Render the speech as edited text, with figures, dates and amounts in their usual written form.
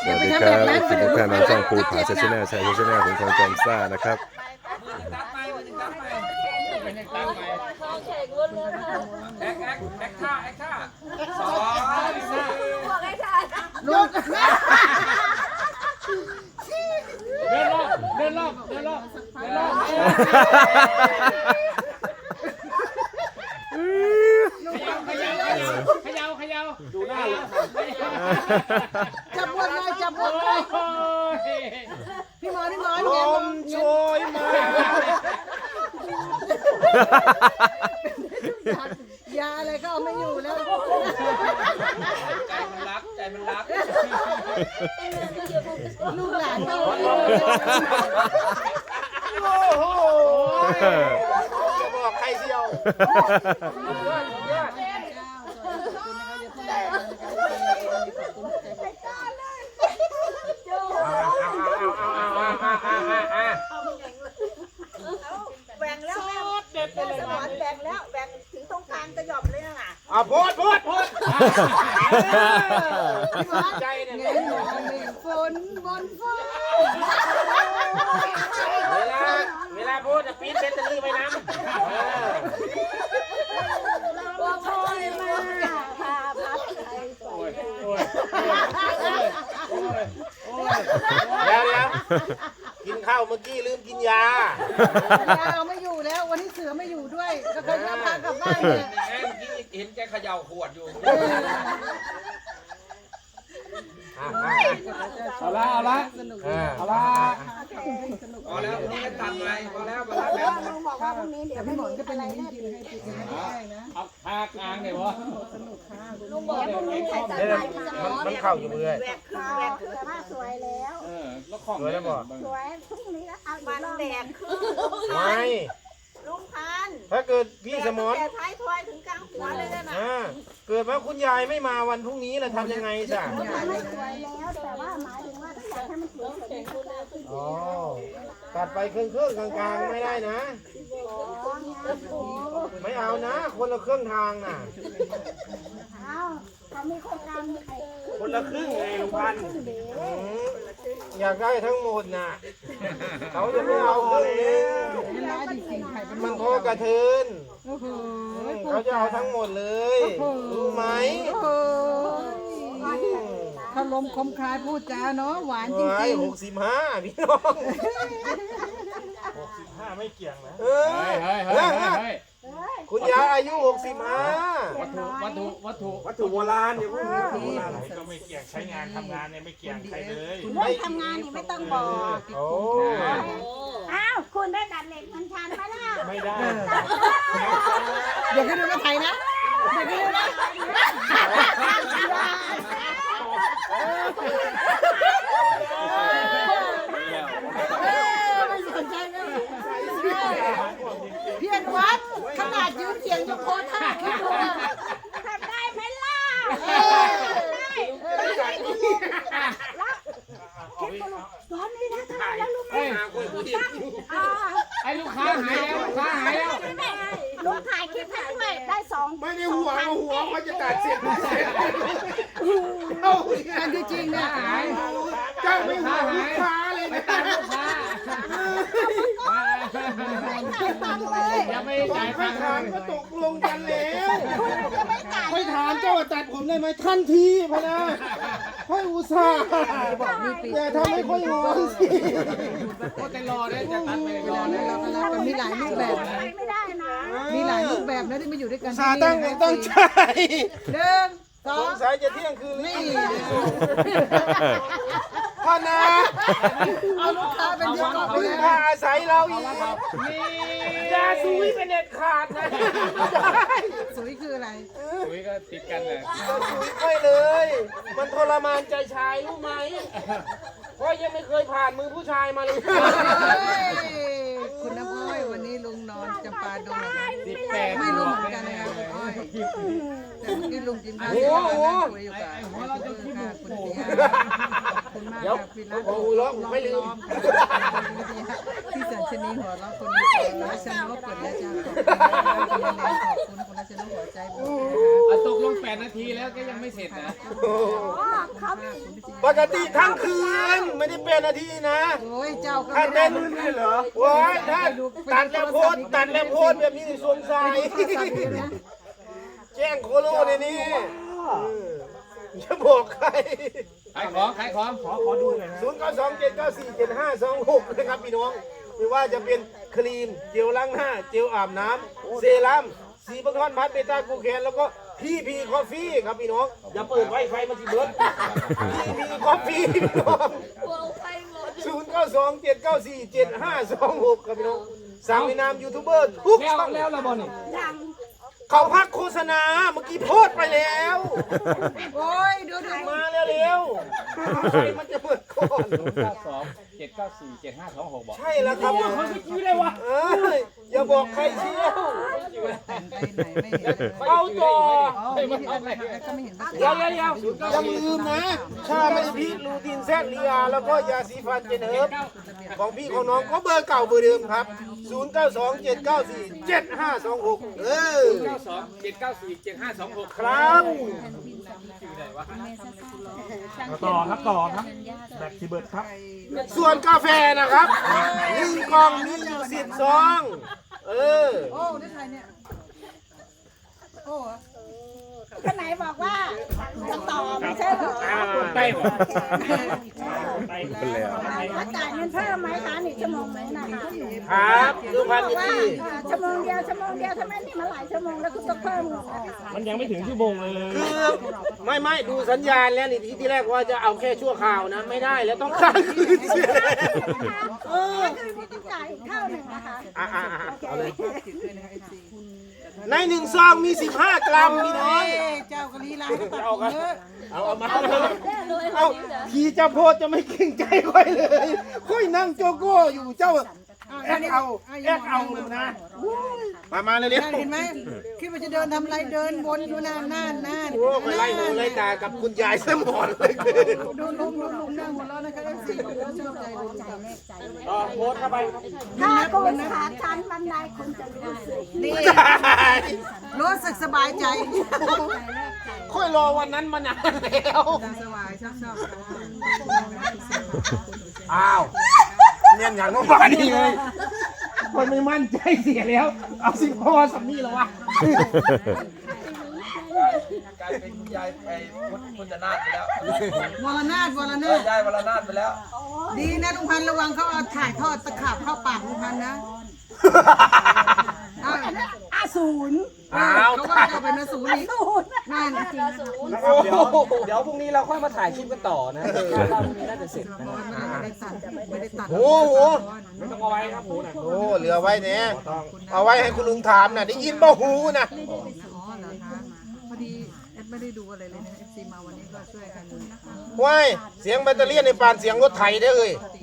สวัสดีครับสวัสดีทุกท่านในช่องภูผาชาแนลชายชาแนลของทองจอมซ่านะครับลูกเดินรอบเขย่าดูหน้าเลยจับบวชเลยจับบวชเลยพี่หมอลแกมโชยมายาอะไรก็เอาไม่อยู่แล้วใจมันรักลูกหลานก็โอ้โหจะบอกใครเชียวแบ่งแล้วแม่สมอนแบ่งแล้วแบ่งถึงตรงกลางกระหย่อมเลยน่ะโพดใจเนี่ยเงี้ยหนูมีฝนบนฟ้าเวลาพูดจะปีนเป็นตะลือไปน้ำตัวพ่อยมาพาพัดไทยสวยเดี๋ยวกินข้าวเมื่อกี้ลืมกินยาเอาไม่อยู่แล้ววันนี้เสือไม่อยู่ด้วยก็เคยพากลับบ้านเนี่ยเมื่อกี้เห็นแกเขย่าขวดอยู่เอาละพอแล้วนี่ตัดไปพอแล้วแบบลุงบอกว่าพรุ่งนี้เดี๋ยวพี่หมอนก็เป็นอย่างนี้กินให้ติดกันไม่ได้นะเอาพากลางเลยวะลุงบอกว่าพรุ่งนี้ใครตัดไปพี่สมอนมันเข้าอยู่เรื่อยแบกคือผ้าสวยแล้วแล้วของสวยแล้วบ่สวยพรุ่งนี้แล้วเอาอีกรอบแบกคือไม่ลุงพันถ้าเกิดพี่สมอนแต่ท้ายทอยถึงกลางหัวเลยนะเกิดว่าคุณยายไม่มาวันพรุ่งนี้เราทำยังไงจ้ะไม่สวยแล้วแต่ว่าหมายถึงว่าถ้าอยากให้มันสวยกว่านี้ก็ได้ที่อ๋อตัดไปครึ่งกลางๆไม่ได้นะ ไม่เอานะ คนละเครื่องทางน่ะเอาเขามีโครงการมีใครคนละครึ่งไงลุงพันธุ์อยากได้ทั้งหมดน่ะเขาจะไม่เอาครึ่งนึงไม่ร้ายจริงๆไข่เป็นมันโทษกระเทินโอ้โหเขาจะเอาทั้งหมดเลยรู้ไหมโอ้โหเขาลมคมคายพูดจาเนาะหวานจไว้ริง 65พี่น้อง65ไม่เกี่ยงนะคุณยายอายุ65 วัตถุโบราณเดี๋ยวพวกนี้ก็ไม่เกี่ยงใช้งานทำงานเนี่ยไม่เกี่ยงใครเลยเรื่องทำงานนี่ไม่ต้องบอกโอ้อ้าวคุณได้ดัดเหล็กมันชันไหมล่ะไม่ได้ๆเดี๋ยวให้ดูมาไทยนะเดี๋ยวให้ดูนะไม่สนใจเลยพี่อนุวัฒน์ขนาดยืนเสียงยังโคตรท่าคิดดูนะทำได้ไหมล่ะตอนนี้นะทำไมแล้วรู้ไหมไอ้ลูกค้าหายแล้วลุงถ่ายคลิปให้ด้วยได้2 ไม่ได้ห่วงเขาจะตัดเสียงอันที่จริงเนี่ยเจ้าไม่ห่วงลูกค้าเลยนะลูกค้า ยังไม่จ่ายไม่ตังค์ถามก็ตกลงกันแล้วไม่จ่ายไม่ถามเจ้าตัดผมได้ไหมทันทีพะนะค่อยอุตส่าห์อย่าทำให้ค่อยงอนสิโคตรรอเลยจะตัดไปรอเลยเราก็รักกันมีหลายรูปแบบนะไม่ได้นะมีหลายรูปแบบนะที่มาอยู่ด้วยกันสาตั้งอกตั้งใจหนึ่งสอสงงสัยจะเที่ยงคืนนี่พ่อนะเอาลูกค้าเป็นที่ก่อนไปพึ่งแล้วพาอาศัยเราอีกนี่อย่าซุยเป็นเด็ดขาดนะสวยคืออะไรคุยก็ติดกันเลยอย่าซุยค่อยเลย มันทรมานใจชายรู้ไหมเพราะยังไม่เคยผ่านมือผู้ชายมาเลยคุณน้ำอ้อยวันนี้ลุงนอนจำปาดงเหรอคะ 18 ไม่รู้เหมือนกันนะคะคุณอ้อยแต่เมื่อกี้ลุงกินข้าวที่บ้านนั่งคุยอยู่กับยูทูบเบอร์ค่ะคุณเตียขอบคุณมากค่ะพี่รัตน์โอ้โหร้องไม่ลืมพี่สัญชนีหัวเราะคนนี้รัชนกเปิดแล้วจ้าขอบคุณคุณแนนขอบคุณคุณรัชนกหัวใจบุญนะคะตกลง 8 นาทีแล้วก็ยังไม่เสร็จนะเขามีปกติทั้งคืนไม่ได้เป็นนาทีนะโอ้ยเจ้าก็ถ้าไม่ได้เต้นเหรอโอ้ยถ้าตัดแล้วโพสตัดแล้วโพสแบบนี้สวมใส่แจ้งโคโลในนี้จะบอกใครขายของขอดูหน่อยนะ 0927947526นะครับพี่น้องไม่ว่าจะเป็นครีมเจลล้างหน้าเจลอาบน้ำเซรั่มสีบังทอนพัดเบต้ากูแคนแล้วก็พีคอฟฟี่ครับพี่น้องอย่าเปิดไวไฟมันสิเบิร์ดพีคอฟฟี่พี่น้อง0927947526ครับพี่น้องสั่งในนามยูทูบเบอร์ทุกช่องแล้วละบอลนี่เขาพักโฆษณาเมื่อกี้โพสต์ไปแล้วโอ้ยดูมาแล้วเร็วไฟมันจะเปิดก่อน 927947526บอกใช่แล้วครับเขาจะคิดได้วะเอ้ยอย่าบอกใครเชี่ยวไปไหนไม่เห็นเลยเอาต่ออ๋อไม่เห็นอะไรก็ไม่เห็นอย่าลืมนะชาไม่พีชลูตินแซดลียาแล้วก็ยาสีฟันเจนเฮิร์บของพี่ของน้องก็เบอร์เก่าเบอร์เดิมครับ 0927947526 927947526 ครับต่อครับแบตสิเบิร์ดครับส่วนกาแฟนะครับ1กล่องมีอยู่10ซองโอ้ได้ใครเนี่ยโอ้คนไหนบอกว่าจะต่อไม่ใช่เหรอไปหมดเป็นแล้วถ้าจ่ายเงินเพิ่มไหมคะ1 ชั่วโมงไหมนะคะครับดูพันบอกว่าที่ชั่วโมงเดียวทำไมนี่มาหลายชั่วโมงแล้วคุณต้องเพิ่มเงินนะคะมันยังไม่ถึงชั่วโมงเลยคือไม่ดูสัญญาณแล้วนี่ที่แรกว่าจะเอาแค่ชั่วคราวนะไม่ได้แล้วต้องค้างคืนเสียคือพี่ต้องจ่ายอีกเท่าหนึ่งนะคะเอาเลยใน1ซองมี15 กรัมพี่น้องเจ้ากะลีลาให้ตัดเยอะเอามาเอาทีเจ้าโพดจะไม่เกรงใจค่อยเลยค่อยนั่งโจโก้อยู่เจ้าแอกเอานะมาเร็วเห็นไหมคิดว่าจะเดินทำอะไรเดินวนอยู่นานๆโอ้ไปไล่หูไล่ตากับคุณยายสมอนเลยดูลุงนั่งหัวเราะนะคะสี่ชอบใจลุงจังโพสเข้าไปถ้าโกนขาชันบันไดคุณจะรู้สึกนี่รู้สึกสบายใจค่อยรอวันนั้นมานานแล้วสบายชอบอ้าวเนี่ยอย่างน้องบ้านนี่เลยคนไม่มั่นใจเสียแล้ว เอาสิพ่อสัมนี่แล้ววะกลายเป็นคุณยายไปพุทธนาถไปแล้ววรนาถยายวรนาถไปแล้วดีนะลุงพันระวังเขาเอาถ่ายทอดตะขาบเข้าปากลุงพันนะเขาก็จะเป็นศูนย์อีกนั่นเดี๋ยวพรุ่งนี้เราค่อยมาถ่ายคลิปกันต่อนะเราพรุ่งนี้น่าจะเสร็จนะไม่ได้ตัดโอ้โหไม่ต้องเอาไว้ครับหมูนะโอ้เหลือไว้เนี่ยเอาไว้ให้คุณลุงถามนะได้ยินบ่หูนะอ๋อเหรอคะพอดีแอดไม่ได้ดูอะไรเลยนะ FC มาวันนี้ก็ช่วยกันนะคะว้ายเสียงแบตเตอรี่ในปานเสียงรถไถได้เลยโ